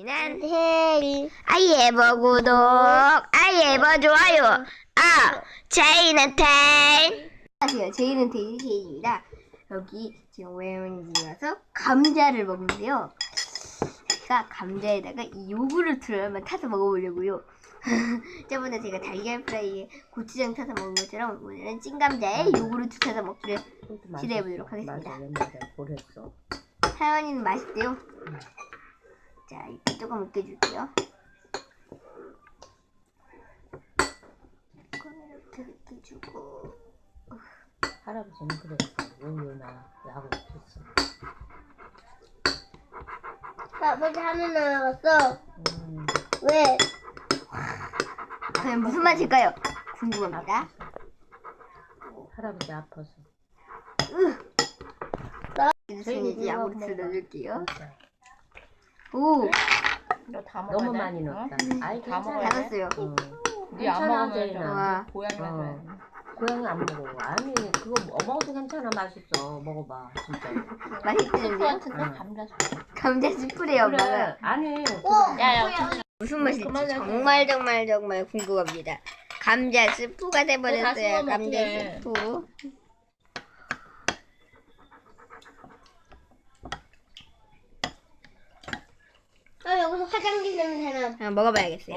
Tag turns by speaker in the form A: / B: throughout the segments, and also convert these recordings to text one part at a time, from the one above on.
A: 제이는 아이에버 구독, 아이에버 좋아요. 제이는 텐. 안녕하세요. 제이는 텐 제이입니다. 여기 지금 외할머니 와서 감자를 먹는데요. 제가 감자에다가 이 요구르트를 한번 타서 먹어보려고요. 저번에 제가 달걀 프라이에 고추장 타서 먹은 것처럼 오늘은 찐감자에 요구르트 타서 먹기를 시도해보도록 하겠습니다. 할머니는 맛있대요. 자, 이렇게 조금 으깨줄게요. 이렇게 으깨주고.
B: 할아버지는 그랬어. 우유나 약을 줬어.
C: 아버지 하늘 날아갔어. 왜?
A: 과연 무슨 맛일까요? 궁금합니다.
B: 할아버지 아파서.
A: 이제 야구르트를 넣을게요.
B: 진짜.
A: 오!
D: 너다 먹어야
B: 너무
D: 돼?
B: 많이 넣었다. 아이
D: 다
B: 괜찮아.
D: 먹어야 돼?
A: 알았어요.
D: 네안
B: 괜찮아,
D: 먹으면
B: 제이나.
D: 좀 고양이 맛이야.
B: 고양이 안 먹어. 아니 그거 먹어도 괜찮아. 맛있어. 먹어봐 진짜.
A: 맛있는데요?
D: 같은데
B: 응.
D: 감자
A: 감자 스프레요, 엄마가.
B: 그래. 아니
D: 야야
A: 무슨 맛일지
D: 그만해.
A: 정말 궁금합니다. 감자 스프가
D: 다
A: 돼버렸어요.
D: 씹어
A: 감자
D: 먹게.
A: 스프.
C: 여기서 화장지 냄새나.
A: 한번 먹어봐야겠어요.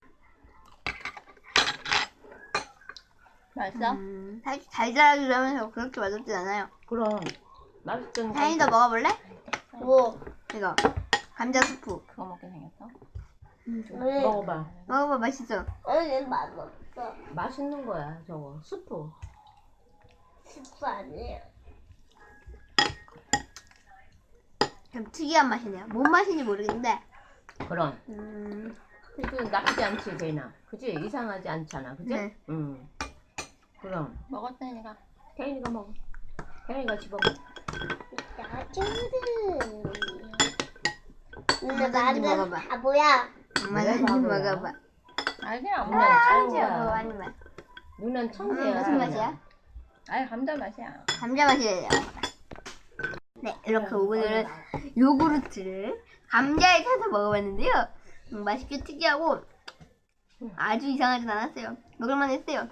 D: 맛있어?
A: 사실 달달하기도 하면서 그렇게 맛없진 않아요.
B: 그럼 맛있던
A: 다인이도 먹어볼래?
C: 뭐?
A: 이거 감자 스프.
D: 그거 먹게 생겼어?
C: 왜?
B: 먹어봐.
A: 먹어봐, 맛있어.
C: 아니, 맛없어.
B: 맛있는 거야 저거 스프.
C: 스프 아니에요.
A: 좀 특이한 맛이네요. 뭔 맛인지 모르겠는데.
B: 그럼
A: 음,
B: 그 나쁘지 않지 제이나. 그지? 이상하지 않잖아. 그지?
A: 네.
B: 응. 그럼
D: 먹었다니까.
B: 태인이가 먹어. 태인이가 집어
C: 야채는.
A: 엄마,
C: 근데
A: 나도
C: 나는
A: 먹어봐.
C: 바보야.
A: 엄마가 좀
B: 바보야?
A: 먹어봐.
D: 아니 그냥
B: 누난
D: 아무나
B: 천재야.
A: 아니 맛.
B: 누난 천재야.
A: 무슨 맛이야?
D: 아니 감자 맛이야.
A: 감자 맛이래요. 네, 이렇게 오늘은 요구르트를 감자에 타서 먹어봤는데요. 맛있게 특이하고 아주 이상하진 않았어요. 먹을만 했어요.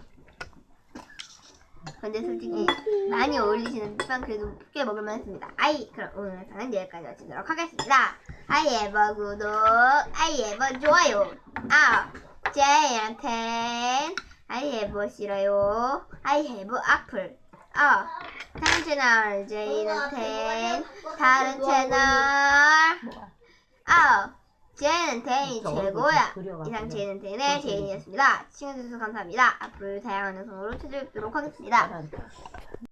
A: 근데 솔직히 많이 어울리시는 듯한 그래도 꽤 먹을만 했습니다. 그럼 오늘 영상은 여기까지 마치도록 하겠습니다. 아이에버 구독, 아이에버 좋아요. 제이한텐 아이에버 싫어요. 아이에버 악플. 다른 채널 제이한텐 다른 채널.
D: 뭐가?
A: 제이는 텐이
B: 저거
A: 최고야.
B: 그려가지고.
A: 이상 제이는 텐의 제이였습니다. 시청해주셔서 감사합니다. 앞으로 다양한 영상으로 찾아뵙도록 하겠습니다.
B: 알았어.